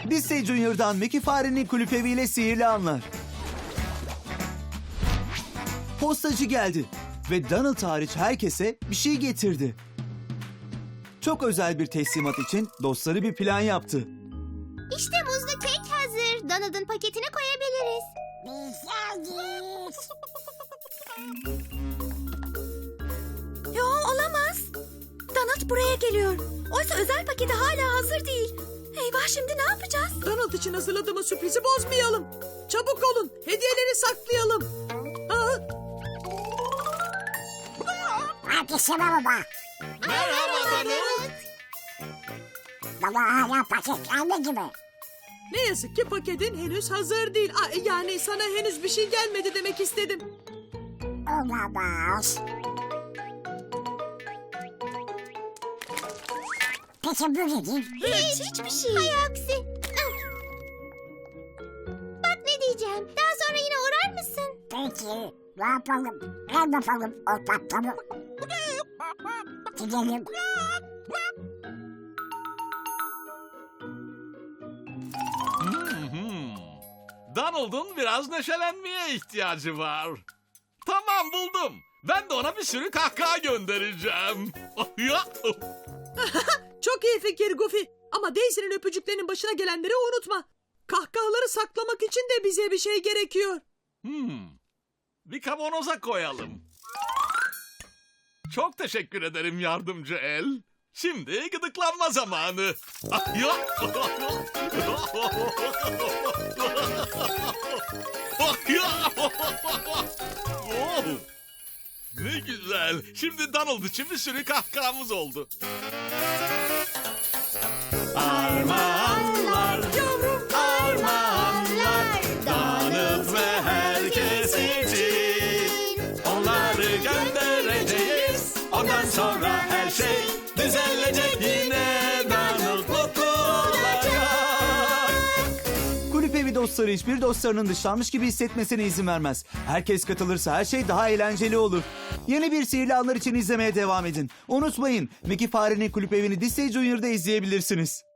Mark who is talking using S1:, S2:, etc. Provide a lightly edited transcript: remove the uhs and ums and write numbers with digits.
S1: Disney Junior'dan Mickey Fare'nin kulüp eviyle sihirli anlar. Postacı geldi ve Donald hariç herkese bir şey getirdi. Çok özel bir teslimat için dostları bir plan yaptı.
S2: İşte muzlu kek hazır. Donald'ın paketine koyabiliriz.
S3: Yo, olamaz. Donald buraya geliyor. Oysa özel paketi hala hazır değil. Eyvah, şimdi ne yapacağız?
S4: Donald için hazırladığımız sürprizi bozmayalım. Çabuk olun, hediyeleri saklayalım.
S5: Herkese merhaba.
S2: Merhaba Donald.
S5: Baba hala paket gelmedi mi?
S4: Ne yazık ki paketin henüz hazır değil. Yani sana henüz bir şey gelmedi demek istedim.
S5: Olamaz. Peki bu nedir?
S2: Hiçbir şey. Hay aksi. Bak ne diyeceğim. Daha sonra yine uğrar mısın?
S5: Peki ne yapalım? Ne yapalım o tatlımı? Gidelim.
S6: Donald'ın biraz neşelenmeye ihtiyacı var. Tamam, buldum. Ben de ona bir sürü kahkaha göndereceğim.
S4: Çok iyi fikir Goofy. Ama Daisy'nin öpücüklerinin başına gelenleri unutma. Kahkahaları saklamak için de bize bir şey gerekiyor.
S6: Bir kavanoza koyalım. Çok teşekkür ederim yardımcı el. Şimdi gıdıklanma zamanı. Oh, ne güzel. Şimdi Donald için bir sürü kahkahamız oldu. Armağanlar,
S4: Yavrum.
S6: armağanlar, Donald ve herkes için. Onları göndereceğiz. Ondan sonra her şey düzelecek yine. Donald mutlu olacak.
S1: Kulüp evi dostları hiçbir dostlarının dışlanmış gibi hissetmesine izin vermez. Herkes katılırsa her şey daha eğlenceli olur. Yeni bir sihirli anlar için izlemeye devam edin. Unutmayın, Mickey Fare'nin kulüp evini Disney Junior'da izleyebilirsiniz.